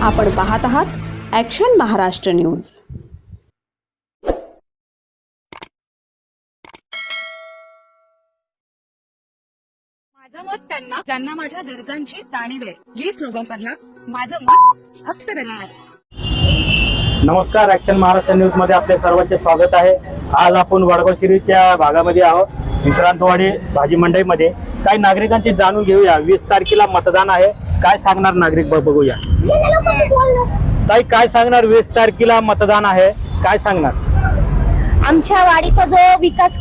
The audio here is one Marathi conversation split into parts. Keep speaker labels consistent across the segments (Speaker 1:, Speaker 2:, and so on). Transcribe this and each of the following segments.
Speaker 1: आपण पाहत आहात ॲक्शन महाराष्ट्र न्यूज।
Speaker 2: माझं मत त्यांना ज्यांना माझ्या गरजांची जाणीव आहे, जी स्लोगनला माझं मत फक्त देणार।
Speaker 3: नमस्कार, ॲक्शन महाराष्ट्र न्यूज मध्ये आपले सर्वांचे स्वागत आहे। आज आपण वडगाव शिरीच्या भागामध्ये आहोत, विश्रांतवाडी भाजी मंडईमध्ये। काही नागरिकांची जाणून घेऊया। 20 तारखेला मतदान आहे, काय सांगणार नागरिक बघूया। ताई, काय सांगणार? 20 तारखेला मतदान आहे, काय सांगणार?
Speaker 4: आमच्या वाडीचा जो विकास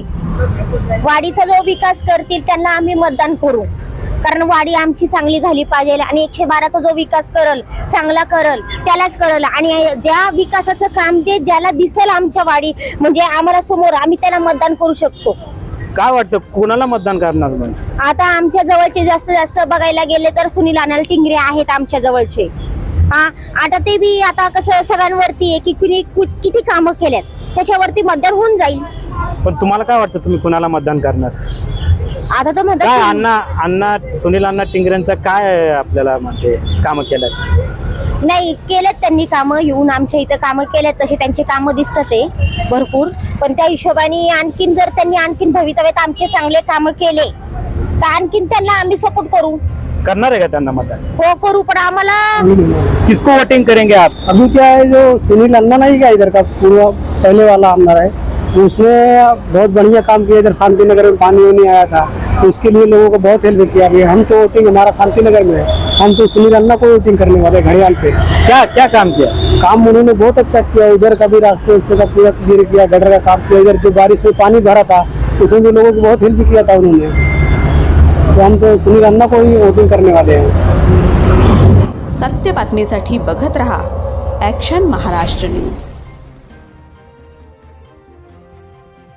Speaker 4: करतील त्यांना आम्ही मतदान करू, कारण वाडी आमची चांगली झाली पाहिजे आणि 112चा जो विकास करल, चांगला करल, त्यालाच करल। आणि ज्या विकासाचं काम ते ज्याला दिसेल आमच्या वाडी म्हणजे आम्हाला समोर, आम्ही त्याला मतदान करू शकतो।
Speaker 3: काय वाटतं, कोणाला मतदान करणार? म्हणजे
Speaker 4: आता आमच्या जवळचे जास्त बघायला गेले तर सुनील अण्णा टिंगरे आहेत आमच्या जवळचे। आता ते बी आता कसं सगळ्यांवरती आहे की कुणी किती कामं केल्यात त्याच्यावरती मतदान होऊन जाईल।
Speaker 3: पण तुम्हाला काय वाटतं, तुम्ही कोणाला मतदान करणार?
Speaker 4: आता तर
Speaker 3: काय
Speaker 4: मतदान
Speaker 3: सुनील अण्णा टिंगरेंचं काय आपल्याला म्हणजे कामं केलं?
Speaker 4: नाही केलेत त्यांनी कामं, येऊन आमच्या इथं कामं केलेत, तसे त्यांचे कामं दिसतात ते भरपूर। पण त्या हिशोबाने आणखीन जर त्यांनी आणखीन भवितव्यात आमचे चांगले कामं केले तर आणखीन त्यांना आम्ही सपोर्ट करू।
Speaker 3: करणार आहे का त्यांना मतदान?
Speaker 4: हो करू, पण आम्हाला
Speaker 3: किसको वोटिंग करेंगे आप?
Speaker 5: अभी क्या है, जो सुनील अन्ना नहीं क्या इधर का पूर्व पहले वाला आमदार है, उसने बहुत बढ़िया काम किया। इधर शांति नगर में पानी नहीं आया था, तो उसके लिए लोगों को बहुत हेल्प किया। अभी हम तो वोटिंग हमारा शांति नगर में है, हम तो सुनील अन्ना को वोटिंग करने वाले घड़ियाल पे।
Speaker 3: क्या काम किया?
Speaker 5: काम उन्होंने बहुत अच्छा किया। उधर का भी रास्ते का पूरा क्लियर किया, गटर का काम किया। इधर जो बारिश में पानी भरा था उसमें भी लोगों को बहुत हेल्प किया था उन्होंने। तो हम तो सुनील अन्ना को ही वोटिंग करने वाले हैं।
Speaker 1: सत्य बातमीसाठी बघत रहा ॲक्शन महाराष्ट्र न्यूज।